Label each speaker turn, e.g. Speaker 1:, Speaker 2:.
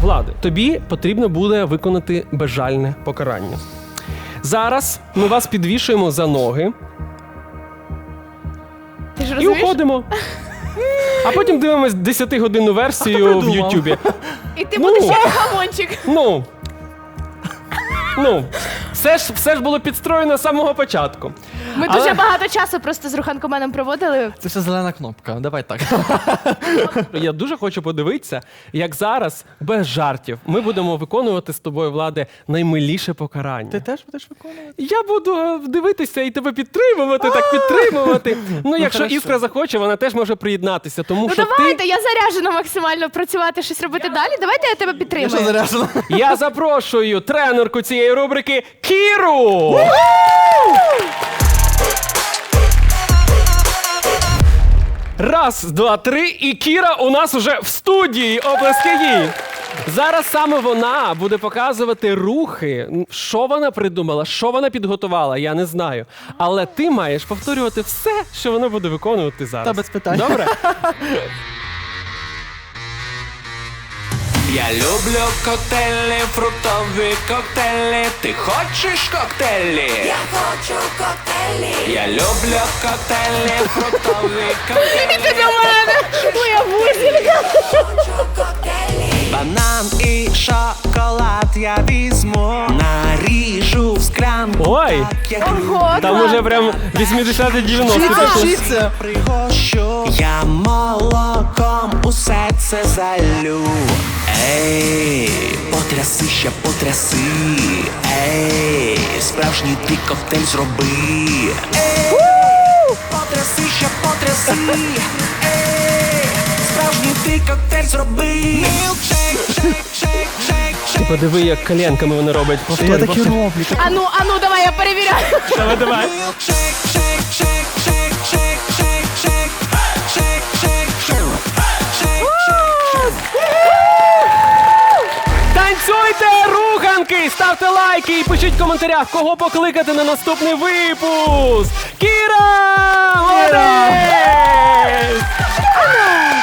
Speaker 1: Влади, тобі потрібно буде виконати безжальне покарання. Зараз ми вас підвішуємо за ноги
Speaker 2: Ти ж
Speaker 1: і
Speaker 2: розумієш?
Speaker 1: уходимо. А потім дивимось 10-годинну версію в Ютубі.
Speaker 2: І ти будеш як гамончик.
Speaker 1: Все ж було підстроєно з самого початку.
Speaker 2: Ми дуже багато часу просто з Руханкоменом проводили.
Speaker 3: Це все зелена кнопка, давай так.
Speaker 1: Я дуже хочу подивитися, як зараз, без жартів, ми будемо виконувати з тобою, Владе, наймиліше покарання.
Speaker 3: Ти теж будеш виконувати?
Speaker 1: Я буду дивитися і тебе підтримувати, так підтримувати. Ну, якщо
Speaker 3: хорошо.
Speaker 1: Іскра захоче, вона теж може приєднатися, тому
Speaker 2: Ну
Speaker 1: що
Speaker 2: давайте, я заряджена максимально працювати, щось робити далі. Давайте я тебе
Speaker 3: Я що
Speaker 2: підтримую.
Speaker 3: заряджена?
Speaker 1: я запрошую тренерку цієї рубрики Кіру! Раз, два, три, і Кіра у нас уже в студії. Оплески їй. Зараз саме вона буде показувати рухи. Що вона придумала, що вона підготувала, я не знаю. Але ти маєш повторювати все, що вона буде виконувати зараз.
Speaker 3: Та без питань.
Speaker 1: Добре?
Speaker 4: Я люблю коктейлі, фруктові коктейлі. Ти хочеш коктейлі? Я хочу коктейлі. Я люблю коктейлі, фруктові коктейлі.
Speaker 2: Ти до мене, моя бусінка.
Speaker 4: Банан і шоколад я візьму. Наріжу в склянку.
Speaker 1: Ой,
Speaker 4: Так, як
Speaker 2: Ого,
Speaker 1: там уже прям 80-90
Speaker 3: Вчіться,
Speaker 1: пішли.
Speaker 3: вчіться.
Speaker 4: пригощу. Я молоком усе це залю. Ей, потряси ще потряси. Ей, справжній ти коктейль зроби. Ей, потряси ще потряси. Ей, справжній ти коктейль зроби. Мілкшейк, шейк, шейк, шейк,
Speaker 1: Ти
Speaker 4: шейк.
Speaker 1: подиви, як коленками вони роблять.
Speaker 3: Я такі роблю.
Speaker 2: Ану, давай, я перевіряю.
Speaker 1: Давай.
Speaker 4: Мілкшейк, шейк, шейк, шейк, шейк, шейк, шейк. Шейк, шейк, шейк. Шейк, шейк, шейк.
Speaker 1: Танцюйте, руханки! Ставте лайки і пишіть в коментарях, кого покликати на наступний випуск! Кіра! Молодець!